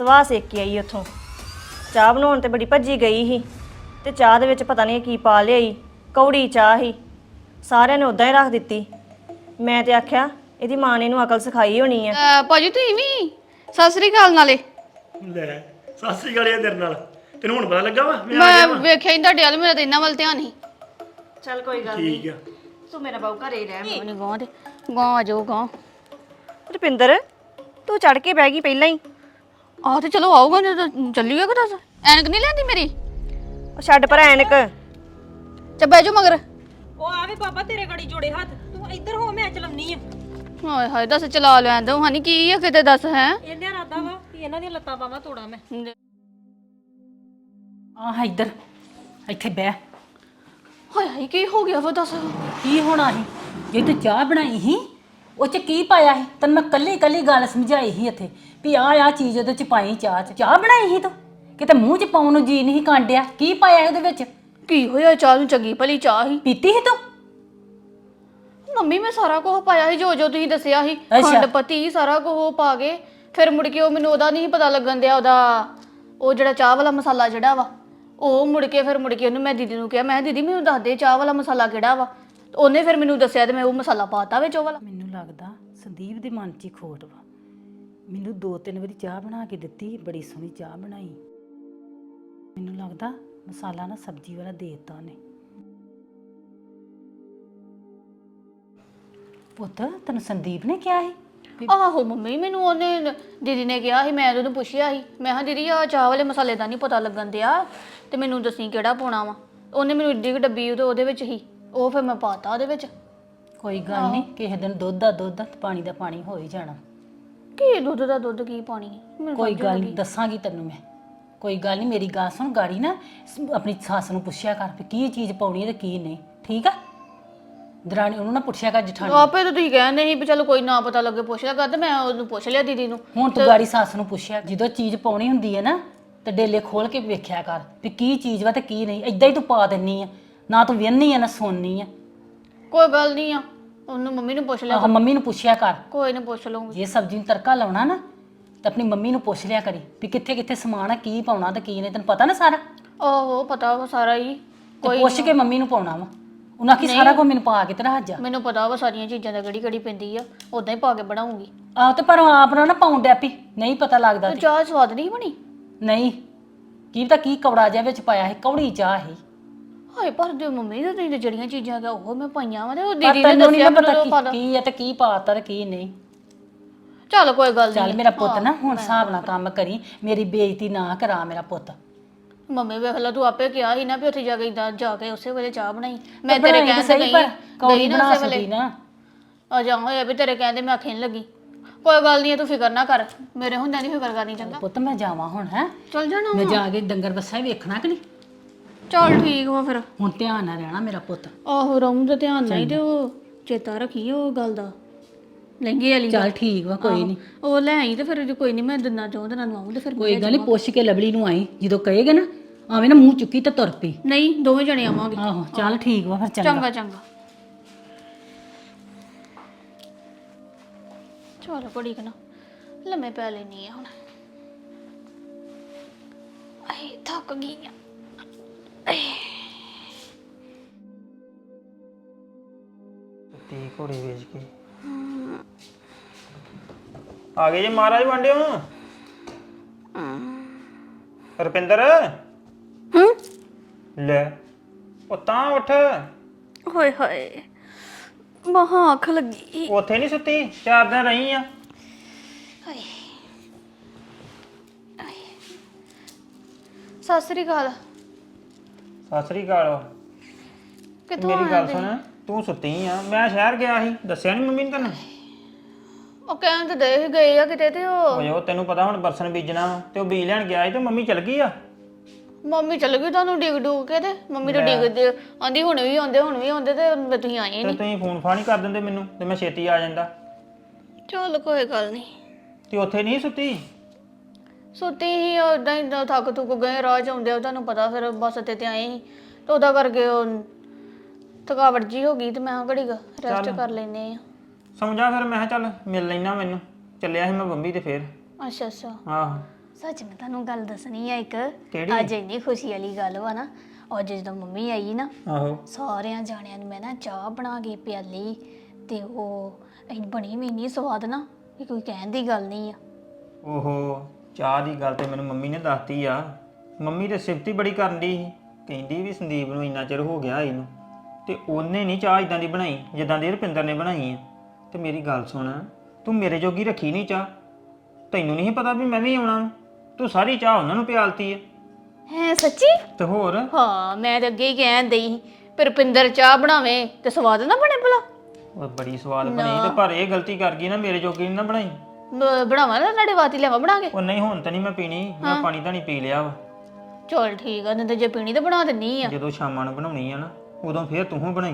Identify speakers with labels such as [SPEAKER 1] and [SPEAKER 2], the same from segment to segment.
[SPEAKER 1] ਸਵਾਹ ਸੇਕ ਕੇ ਆਈ ਉੱਥੋਂ। ਚਾਹ ਬਣਾਉਣ ਤੇ ਬੜੀ ਭੱਜੀ ਗਈ ਸੀ ਤੇ ਚਾਹ ਦੇ ਵਿੱਚ ਪਤਾ ਨਹੀਂ ਕੀ ਪਾ ਲਿਆਈ। ਕੌੜੀ ਚਾਹ ਸੀ, ਸਾਰਿਆਂ ਨੇ ਉਦਾਂ ਹੀ ਰੱਖ ਦਿੱਤੀ। ਮੈਂ ਤੇ ਆਖਿਆ ਇਹਦੀ ਮਾਂ ਨੇ ਇਹਨੂੰ ਅਕਲ ਸਿਖਾਈ ਹੋਣੀ ਆ।
[SPEAKER 2] ਭਾਜੀ ਤੁਸੀਂ ਵੀ ਸਤਿ ਸ੍ਰੀ ਅਕਾਲ ਨਾਲੇ।
[SPEAKER 3] ਲੈ ਸਤਿ ਸ੍ਰੀ ਅਕਾਲ ਤੇਰੇ ਨਾਲ। ਤੈਨੂੰ ਹੁਣ ਪਤਾ ਲੱਗਾ ਵਾ
[SPEAKER 2] ਮੈਂ ਵੇਖਿਆ ਹੀ ਤੁਹਾਡੇ ਵੱਲ, ਮੇਰਾ ਤਾਂ ਇਹਨਾਂ ਵੱਲ ਧਿਆਨ ਨਹੀਂ।
[SPEAKER 1] ਚੱਲ ਕੋਈ ਗੱਲ
[SPEAKER 3] ਠੀਕ
[SPEAKER 1] ਨਹੀਂ,
[SPEAKER 3] ਆ।
[SPEAKER 1] ਤੂੰ ਮੇਰਾ ਬਾਊ ਘਰੇ ਹੀ ਰਹਿ।
[SPEAKER 2] ਨਹੀਂ ਗਾਂ ਤੇ ਗਾਂ ਆ ਜਾਓ ਗਾਂ।
[SPEAKER 1] ਰੁਪਿੰਦਰ ਤੂੰ ਚੜ ਕੇ ਬਹਿ ਗਈ ਪਹਿਲਾਂ ਹੀ।
[SPEAKER 2] ਆਹ ਤੇ ਚਲੋ ਆਊਗਾ ਜਦੋਂ ਚੱਲੀਏ ਕਿ ਦੱਸ। ਐਨਕ ਨਹੀਂ ਲੈਂਦੀ ਮੇਰੀ।
[SPEAKER 1] ਉਹ ਛੱਡ ਪਰ ਐਨਕ।
[SPEAKER 2] ਚੱਲ ਬਹਿ ਜਾਓ ਮਗਰ।
[SPEAKER 4] ਉਹ ਆਵੇ ਬਾਬਾ ਤੇਰੇ ਗੜੀ ਜੋੜੇ ਹੱਥ, ਤੂੰ ਇੱਧਰ ਹੋ ਮੈਂ ਚਲਾਉਣੀ ਆ।
[SPEAKER 2] ਹਾਏ ਹਾਏ ਦੱਸ ਚਲਾ ਲੈਣ ਦੋ ਹਾਨੀ ਕੀ ਆ ਕਿਤੇ ਦੱਸ ਹੈ।
[SPEAKER 4] ਇਹਨੇ ਇਰਾਦਾ ਵਾ ਕਿ ਇਹਨਾਂ ਦੀਆਂ ਲੱਤਾਂ ਬਾਹਾਂ ਤੋੜਾਂ ਮੈਂ।
[SPEAKER 5] ਆਹ ਇੱਧਰ ਇੱਥੇ ਬਹਿ।
[SPEAKER 2] ਹਾਏ ਹਾਏ ਕੀ ਹੋ ਗਿਆ ਵਾ ਦੱਸ।
[SPEAKER 5] ਕੀ ਹੋਣਾ ਸੀ ਜੇ ਤੂੰ ਚਾਹ ਬਣਾਈ ਸੀ ਉਹ ਚ ਕੀ ਪਾਇਆ ਸੀ? ਤੈਨੂੰ ਮੈਂ ਕੱਲੀ ਕੱਲੀ ਗੱਲ ਸਮਝਾਈ ਸੀ ਇੱਥੇ ਵੀ ਆਹ ਚੀਜ਼ ਉਹਦੇ ਚ ਪਾਈ। ਚਾਹ ਬਣਾਈ ਸੀ ਤੂੰ ਕਿਤੇ ਮੂੰਹ ਚ ਪਾਉਣ ਨੂੰ ਜੀ ਨਹੀਂ ਕਾਂਡਿਆ। ਕੀ ਪਾਇਆ ਉਹਦੇ ਵਿੱਚ?
[SPEAKER 2] ਕੀ ਹੋਇਆ? ਚਾਹ ਨੂੰ ਚੰਗੀ ਭਲੀ ਚਾਹ ਹੀ
[SPEAKER 5] ਪੀਤੀ ਸੀ ਤੂੰ?
[SPEAKER 2] ਮੰਮੀ ਮੈਂ ਸਾਰਾ ਕੁਝ ਪਾਇਆ ਸੀ ਜੋ ਤੁਸੀਂ ਦੱਸਿਆ ਸੀ। ਖੰਡ ਪਤੀ ਸਾਰਾ ਕੁਝ ਪਾ ਕੇ ਫਿਰ ਮੁੜ ਕੇ ਉਹ ਮੈਨੂੰ ਉਹਦਾ ਨਹੀਂ ਪਤਾ ਲੱਗਣ ਦਿਆ। ਉਹਦਾ ਉਹ ਜਿਹੜਾ ਚਾਹ ਵਾਲਾ ਮਸਾਲਾ ਜਿਹੜਾ ਵਾ ਉਹ ਮੁੜ ਕੇ ਉਹਨੂੰ ਮੈਂ ਦੀਦੀ ਨੂੰ ਕਿਹਾ, ਮੈਂ ਦੀਦੀ ਮੈਨੂੰ ਦੱਸ ਦੇ ਚਾਹ ਵਾਲਾ ਮਸਾਲਾ ਕਿਹੜਾ ਵਾ। ਉਹਨੇ ਫਿਰ ਮੈਨੂੰ ਦੱਸਿਆ ਤੇ ਮੈਂ ਉਹ ਮਸਾਲਾ ਪਾਤਾ ਵਿੱਚ ਉਹ ਵਾਲਾ।
[SPEAKER 5] ਮੈਨੂੰ ਲੱਗਦਾ ਸੰਦੀਪ ਦੇ ਮਨ 'ਚ ਹੀ ਖੋਟ ਵਾ। ਮੈਨੂੰ 2-3 ਵਾਰੀ ਚਾਹ ਬਣਾ ਕੇ ਦਿੱਤੀ, ਬੜੀ ਸੋਹਣੀ ਚਾਹ ਬਣਾਈ। ਮੈਨੂੰ ਲੱਗਦਾ ਮਸਾਲਾ ਨਾ ਸਬਜ਼ੀ ਵਾਲਾ ਦੇ ਦਿੱਤਾ ਉਹਨੇ। ਪੁੱਤ ਤੈਨੂੰ ਸੰਦੀਪ ਨੇ ਕਿਹਾ ਸੀ?
[SPEAKER 2] ਆਹੋ ਮੰਮੀ ਮੈਨੂੰ ਉਹਨੇ ਦੀਦੀ ਨੇ ਕਿਹਾ ਸੀ। ਮੈਂ ਉਹਨੂੰ ਪੁੱਛਿਆ ਸੀ, ਮੈਂ ਕਿਹਾ ਦੀਦੀ ਆ ਚਾਹ ਵਾਲੇ ਮਸਾਲੇ ਦਾ ਨਹੀਂ ਪਤਾ ਲੱਗਣ ਦਿਆ ਤੇ ਮੈਨੂੰ ਦੱਸੀ ਕਿਹੜਾ ਪਾਉਣਾ ਵਾ। ਉਹਨੇ ਮੈਨੂੰ ਇੱਡੀ ਕੁ ਡੱਬੀ ਉਹਦੇ ਵਿੱਚ ਹੀ ਉਹ ਫਿਰ ਮੈਂ ਪਾਤਾ ਉਹਦੇ ਵਿੱਚ।
[SPEAKER 5] ਕੋਈ ਗੱਲ ਨਹੀਂ, ਕਿਸੇ ਦਿਨ ਦੁੱਧ ਦਾ ਦੁੱਧ ਤੇ ਪਾਣੀ ਦਾ ਪਾਣੀ ਹੋ ਹੀ ਜਾਣਾ।
[SPEAKER 2] ਕੀ ਦੁੱਧ ਦਾ ਦੁੱਧ ਕੀ ਪਾਣੀ?
[SPEAKER 5] ਕੋਈ ਗੱਲ ਨਹੀਂ, ਦੱਸਾਂਗੀ ਤੈਨੂੰ ਮੈਂ। ਕੋਈ ਗੱਲ ਨਹੀਂ, ਮੇਰੀ ਗੱਲ ਸੁਣ। ਗਾੜੀ ਨਾ ਆਪਣੀ ਸੱਸ ਨੂੰ ਪੁੱਛਿਆ ਕਰ ਵੀ ਕੀ ਚੀਜ਼ ਪਾਉਣੀ ਹੈ ਤੇ ਕੀ ਨਹੀਂ, ਠੀਕ ਆ? ਦਰਾਣੀ ਉਹਨੂੰ ਨਾ ਪੁੱਛਿਆ ਕਰ ਜਠਾਣੀ।
[SPEAKER 2] ਆਪੇ ਤਾਂ ਤੁਸੀਂ ਕਹਿੰਦੇ ਸੀ ਵੀ ਚਲੋ ਕੋਈ ਨਾ ਪਤਾ ਲੱਗੇ ਪੁੱਛ ਲਿਆ ਕਰ, ਤੇ ਮੈਂ ਉਹਨੂੰ ਪੁੱਛ ਲਿਆ ਦੀਦੀ ਨੂੰ।
[SPEAKER 5] ਹੁਣ ਤੂੰ ਗਾੜੀ ਸੱਸ ਨੂੰ ਪੁੱਛਿਆ। ਜਦੋਂ ਚੀਜ਼ ਪਾਉਣੀ ਹੁੰਦੀ ਹੈ ਨਾ ਤੇ ਡੇਲੇ ਖੋਲ ਕੇ ਵੇਖਿਆ ਕਰ ਵੀ ਕੀ ਚੀਜ਼ ਵਾ ਤੇ ਕੀ ਨਹੀਂ। ਏਦਾਂ ਹੀ ਤੂੰ ਪਾ ਦਿੰਨੀ ਆ, ਨਾ ਤੂੰ ਵੇਹਨੀ ਆ ਨਾ ਸੁਣਨੀ ਆ।
[SPEAKER 2] ਕੋਈ ਗੱਲ ਨਹੀਂ ਆ, ਉਹਨੂੰ ਮੰਮੀ ਨੂੰ ਪੁੱਛ ਲਿਆ।
[SPEAKER 5] ਆਹ ਮੰਮੀ ਨੂੰ ਪੁੱਛਿਆ ਕਰ।
[SPEAKER 2] ਕੋਈ ਨਾ ਪੁੱਛ ਲਵਾਂਗੀ।
[SPEAKER 5] ਜੇ ਸਬਜ਼ੀ ਨੂੰ ਤੜਕਾ ਲਾਉਣਾ ਨਾ ਤੇ ਆਪਣੀ ਮੰਮੀ ਨੂੰ ਪੁੱਛ ਲਿਆ ਕਰੀ ਵੀ ਕਿੱਥੇ ਕਿੱਥੇ ਸਮਾਨ ਆ, ਕੀ ਪਾਉਣਾ ਤੇ ਕੀ ਨਹੀਂ। ਤੈਨੂੰ ਪਤਾ ਨਾ ਸਾਰਾ?
[SPEAKER 2] ਆਹੋ ਪਤਾ ਵਾ ਸਾਰਾ ਹੀ।
[SPEAKER 5] ਤੇ ਪੁੱਛ ਕੇ ਮੰਮੀ ਨੂੰ ਪਾਉਣਾ ਵਾ। ਉਹਨਾਂ ਕੀ ਸਾਰਾ ਕੁਝ ਮੈਨੂੰ ਪਾ ਕੇ ਤੇ ਰੱਖ ਜਾ।
[SPEAKER 2] ਮੈਨੂੰ ਪਤਾ ਵਾ ਸਾਰੀਆਂ ਚੀਜ਼ਾਂ ਦਾ ਕਿਹੜੀ ਪੈਂਦੀ ਆ, ਉਦਾਂ ਹੀ ਪਾ ਕੇ ਬਣਾਉਂਗੀ।
[SPEAKER 5] ਆਹ ਤੇ ਪਰ ਆਪ ਨਾ ਪਾਉਣ ਡੈ ਪਈ, ਨਹੀਂ ਪਤਾ ਲੱਗਦਾ ਤੇ।
[SPEAKER 2] ਚਾਹ ਸਵਾਦ ਨਹੀਂ ਬਣੀ?
[SPEAKER 5] ਨਹੀਂ, ਕੀ ਪਤਾ ਕੀ ਕੌੜਾ ਜਿਹਾ ਵਿੱਚ ਪਾਇਆ ਸੀ, ਕੌੜੀ ਚਾਹ ਸੀ।
[SPEAKER 2] ਹਾਏ ਪਰ ਦੇ ਮੰਮੀ ਦੇ ਤੁਸੀਂ ਜਿਹੜੀਆਂ ਚੀਜ਼ਾਂ ਦਾ ਉਹ ਮੈਂ ਪਾਈਆਂ ਵਾ ਤੇ ਉਹ
[SPEAKER 5] ਪਰ
[SPEAKER 2] ਦੀਦੀ ਨੇ
[SPEAKER 5] ਤੈਨੂੰ ਨਹੀਂ
[SPEAKER 2] ਦੱਸਿਆ
[SPEAKER 5] ਪਤਾ
[SPEAKER 2] ਮੈਨੂੰ ਪਤਾ।
[SPEAKER 5] ਕੀ ਹੈ ਤੇ ਕੀ ਪਾਤਾ ਤੇ ਕੀ ਨਹੀਂ।
[SPEAKER 2] ਚੱਲ ਕੋਈ ਗੱਲ
[SPEAKER 5] ਚੱਲ
[SPEAKER 2] ਨਹੀਂ।
[SPEAKER 5] ਮੇਰਾ ਪੁੱਤ ਨਾ ਹੁਣ ਹਿਸਾਬ ਨਾਲ ਕੰਮ ਕਰੀ, ਮੇਰੀ ਬੇਇੱਜ਼ਤੀ ਨਾ ਕਰਾ ਮੇਰਾ ਪੁੱਤ।
[SPEAKER 2] ਮੰਮੀ ਵੇਖ ਲਾ ਤੂੰ ਆਪੇ ਕਿਹਾ ਸੀ ਨਾ ਵੀ ਉੱਥੇ ਜਾ ਕੇ ਇਦਾਂ ਜਾ ਕੇ ਉਸੇ ਵੇਲੇ ਚਾਹ ਬਣਾਈ। ਮੈਂ
[SPEAKER 5] ਬਣਾਈ
[SPEAKER 2] ਤੇਰੇ
[SPEAKER 5] ਤਾਂ
[SPEAKER 2] ਕਹਿਣ ਤੇ
[SPEAKER 5] ਸਹੀ, ਪਰ ਕੌੜੀ
[SPEAKER 2] ਨਾ
[SPEAKER 5] ਬਣਾ
[SPEAKER 2] ਉਸੇ
[SPEAKER 5] ਸਕਦੀ
[SPEAKER 2] ਵੇਲੇ
[SPEAKER 5] ਨਾ।
[SPEAKER 2] ਆ ਜਾ ਹੋਇਆ ਵੀ ਤੇਰੇ ਕਹਿੰਦੇ ਮੈਂ ਆਖੇ ਨਹੀਂ ਲੱਗੀ। ਕੋਈ ਗੱਲ ਨਹੀਂ ਤੂੰ ਫਿਕਰ ਨਾ ਕਰ, ਮੇਰੇ ਹੁੰਦਿਆਂ ਨਹੀਂ ਫਿਕਰ ਕਰਨੀ। ਚੰਗਾ
[SPEAKER 5] ਪੁੱਤ ਮੈਂ ਜਾਵਾਂ ਹੁਣ, ਹੈ
[SPEAKER 2] ਚੱਲ ਜਾਣਾ
[SPEAKER 5] ਮੈਂ ਜਾ ਕੇ ਡੰਗਰ ਬੱਸਾ ਹੀ ਵੇਖਣਾ ਕਿ ਨਹੀਂ।
[SPEAKER 2] ਚੱਲ ਠੀਕ ਵਾ ਫਿਰ।
[SPEAKER 5] ਹੁਣ ਧਿਆਨ ਨਾਲ ਰਹਿਣਾ ਮੇਰਾ ਪੁੱਤ।
[SPEAKER 2] ਆਹੋ ਰਹੂੰ ਤੇ ਧਿਆਨ ਨਹੀਂ ਤੇ ਉਹ ਚੇਤਾ ਰੱਖੀ ਉਹ ਗੱਲ ਦਾ, ਲਹਿੰਗੇ ਵਾਲੀ।
[SPEAKER 5] ਚੱਲ ਠੀਕ ਵਾ, ਕੋਈ ਨਹੀਂ।
[SPEAKER 2] ਉਹ ਲੈ ਆਈ ਤੇ ਫਿਰ ਜੇ ਕੋਈ ਨਹੀਂ ਮੈਂ ਦਿਨਾਂ ਚੋਂ ਦਿਨਾਂ ਨੂੰ ਆਉਂ ਤੇ ਫਿਰ
[SPEAKER 5] ਕੋਈ ਗੱਲ ਨਹੀਂ, ਪੁੱਛ ਕੇ ਲਵਲੀ ਨੂੰ ਆਈ। ਜਦੋਂ ਕਹੇਗਾ ਨਾ ਆਵੇਂ ਨਾ ਮੂੰਹ ਚੁੱਕੀ ਤੇ ਤੁਰ ਪਈ।
[SPEAKER 2] ਨਹੀਂ ਦੋਵੇਂ ਜਣੇ ਆਵਾਂਗੇ।
[SPEAKER 5] ਆਹੋ ਚੱਲ ਠੀਕ ਵਾ ਫਿਰ।
[SPEAKER 2] ਚੰਗਾ ਚੰਗਾ। ਚਲ ਘੜੀ ਕਨਾ ਲੰਮੇ ਪੈ ਲੈਣੀ ਆ ਹੁਣ। ਆਏ ਥੱਕ ਗਈ ਆ।
[SPEAKER 3] ਤੀ ਘੋੜੇ ਵੇਚ ਕੇ ਆ ਗਏ ਜੇ ਮਹਾਰਾਜ ਵਾਂਡਿਓ। ਰੁਪਿੰਦਰ ਲੈ ਉਹ ਤਾਂ ਉੱਠ।
[SPEAKER 2] ਹੋਏ ਹੋਏ ਮਹਾ ਅੱਖ ਲੱਗੀ।
[SPEAKER 3] ਉੱਥੇ ਨਹੀਂ ਸੁੱਤੀ, 4 ਦਿਨ ਰਹੀ ਆ।
[SPEAKER 2] ਹਾਏ ਸਤਿ ਸ੍ਰੀ ਅਕਾਲ।
[SPEAKER 3] ਸਤਿ ਸ੍ਰੀ ਅਕਾਲ।
[SPEAKER 2] ਕਿੱਥੋਂ
[SPEAKER 3] ਮੇਰੀ ਗੱਲ ਸੁਣ, ਤੂੰ ਸੁੱਤੀ ਆ, ਮੈਂ ਸ਼ਹਿਰ ਗਿਆ ਸੀ, ਦੱਸਿਆ ਨਹੀਂ ਮੰਮੀ ਨੇ ਤੈਨੂੰ?
[SPEAKER 2] ਉਹ ਕਹਿਣ ਤੇ ਦੇ ਹੀ ਗਏ ਆ ਕਿਤੇ ਤੇ
[SPEAKER 3] ਓਏ ਉਹ ਤੈਨੂੰ ਪਤਾ ਹੁਣ ਬਰਸਨ ਬੀਜਣਾ ਤੇ ਉਹ ਬੀਜ ਲੈਣ ਗਿਆ ਸੀ ਤੇ ਮੰਮੀ ਚਲ ਗਈ ਆ।
[SPEAKER 2] ਮੰਮੀ ਚੱਲ ਗਈ ਤੁਹਾਨੂੰ ਡਿੱਗ ਡੂਗ ਕੇ ਤੇ ਮੰਮੀ ਤਾਂ ਡਿੱਗਦੇ ਆਂਦੀ ਹੁਣ ਵੀ ਆਉਂਦੇ ਤੇ ਤੁਸੀਂ ਆਏ
[SPEAKER 3] ਤੇ
[SPEAKER 2] ਨਹੀਂ।
[SPEAKER 3] ਤੁਸੀਂ ਫੋਨ ਫਾਨ ਹੀ ਕਰ ਦਿੰਦੇ ਮੈਨੂੰ ਤੇ ਮੈਂ ਛੇਤੀ ਆ ਜਾਂਦਾ।
[SPEAKER 2] ਚੱਲ ਕੋਈ ਗੱਲ ਨਹੀਂ।
[SPEAKER 3] ਤੇ ਉੱਥੇ ਨਹੀਂ ਸੁੱਤੀ?
[SPEAKER 2] ਸੁੱਤੀ ਹੀ ਉਦਾਂ ਹੀ ਥੱਕ ਥੁੱਕ ਗਏ ਰਾਹ ਚ ਆਉਂਦੇ ਤੁਹਾਨੂੰ ਪਤਾ ਫਿਰ ਬੱਸ ਤੇ ਆਏ ਸੀ ਤੇ ਉਹਦਾ ਕਰਕੇ ਉਹ ਥਕਾਵਟ ਜੀ ਹੋ ਗਈ ਤੇ ਮੈਂ ਘੜੀ ਰੈਸਟ ਕਰ ਲੈਨੇ ਆ।
[SPEAKER 3] ਸਮਝਾ ਫਿਰ ਮੈਂ ਕਿਹਾ ਚੱਲ ਮਿਲ ਲੈਣਾ, ਮੈਨੂੰ ਚੱਲਿਆ ਸੀ ਮੈਂ ਬੰਬੀ ਤੇ ਫੇਰ।
[SPEAKER 2] ਅੱਛਾ ਅੱਛਾ।
[SPEAKER 3] ਆਹੋ
[SPEAKER 2] ਸੱਚ ਮੈਂ ਤੁਹਾਨੂੰ ਗੱਲ ਦੱਸਣੀ ਆ ਇੱਕ
[SPEAKER 3] ਕਿਹੜੀ?
[SPEAKER 2] ਅੱਜ ਇੰਨੀ ਖੁਸ਼ੀ ਵਾਲੀ ਗੱਲ ਵਾ ਨਾ। ਅੱਜ ਜਦੋਂ ਮੰਮੀ ਆਈ ਨਾ
[SPEAKER 3] ਆਹੋ
[SPEAKER 2] ਸਾਰਿਆਂ ਜਾਣਿਆਂ ਨੂੰ ਮੈਂ ਨਾ ਚਾਹ ਬਣਾ ਕੇ ਪਿਆਲੀ ਤੇ ਉਹ ਬਣੀ ਵੀ ਇੰਨੀ ਸਵਾਦ ਨਾ ਕਿ ਕੋਈ ਕਹਿਣ ਦੀ ਗੱਲ ਨਹੀਂ ਆ।
[SPEAKER 3] ਓਹੋ ਚਾਹ ਦੀ ਗੱਲ ਤੇ ਮੈਨੂੰ ਮੰਮੀ ਨੇ ਦੱਸਤੀ ਆ। ਮੰਮੀ ਤੇ ਸਿਫਤੀ ਬੜੀ ਕਰਨ ਦੀ ਸੀ, ਕਹਿੰਦੀ ਵੀ ਸੰਦੀਪ ਨੂੰ ਇੰਨਾ ਚਿਰ ਹੋ ਗਿਆ ਇਹਨੂੰ ਤੇ ਉਹਨੇ ਨਹੀਂ ਚਾਹ ਇਦਾਂ ਦੀ ਬਣਾਈ ਜਿੱਦਾਂ ਦੀ ਰੁਪਿੰਦਰ ਨੇ ਬਣਾਈ ਆ। ਤੇ ਮੇਰੀ ਗੱਲ ਸੁਣ, ਤੂੰ ਮੇਰੇ ਜੋਗੀ ਰੱਖੀ ਨਹੀਂ ਚਾਹ, ਤੈਨੂੰ ਨਹੀਂ ਪਤਾ ਵੀ ਮੈਂ ਵੀ ਆਉਣਾ ਵਾਂ? ਤੂੰ ਸਾਰੀ ਚਾਹ ਉਹਨਾਂ ਨੂੰ ਪਿਆਲਤੀ ਆ।
[SPEAKER 2] ਹੈ ਸੱਚੀ?
[SPEAKER 3] ਤੇ ਹੋਰ
[SPEAKER 2] ਹਾਂ ਮੈਂ ਤਾਂ ਅੱਗੇ ਹੀ ਕਹਿਣ ਦਈ ਸੀ ਪਰ ਰੁਪਿੰਦਰ ਚਾਹ ਬਣਾਵੇ ਤੇ ਸਵਾਦ ਨਾ ਬਣੇ ਭਲਾ।
[SPEAKER 3] ਉਹ ਬੜੀ ਸਵਾਦ ਬਣੀ ਤੇ ਪਰ ਇਹ ਗਲਤੀ ਕਰ ਗਈ ਨਾ, ਮੇਰੇ ਜੋਗੀ ਨੀ ਨਾ ਬਣਾਈ।
[SPEAKER 2] ਬਣਾਵਾ ਨਾ ਤੁਹਾਡੇ ਵਾਸਤੇ ਲਿਆਵਾ ਬਣਾ ਕੇ।
[SPEAKER 3] ਉਹ ਨਹੀਂ ਹੁਣ ਤਾਂ ਨਹੀਂ ਮੈਂ ਪੀਣੀ, ਮੈਂ ਪਾਣੀ ਤਾਂ ਨਹੀਂ ਪੀ ਲਿਆ ਵਾ।
[SPEAKER 2] ਚਲ ਠੀਕ ਆ, ਨਹੀਂ ਤੇ ਜੇ ਪੀਣੀ ਤਾਂ ਬਣਾ ਦਿੰਨੀ ਆ।
[SPEAKER 3] ਜਦੋਂ ਸ਼ਾਮਾਂ ਨੂੰ ਬਣਾਉਣੀ ਆ ਨਾ ਉਦੋਂ ਫੇਰ ਤੂੰ ਬਣਾਈ।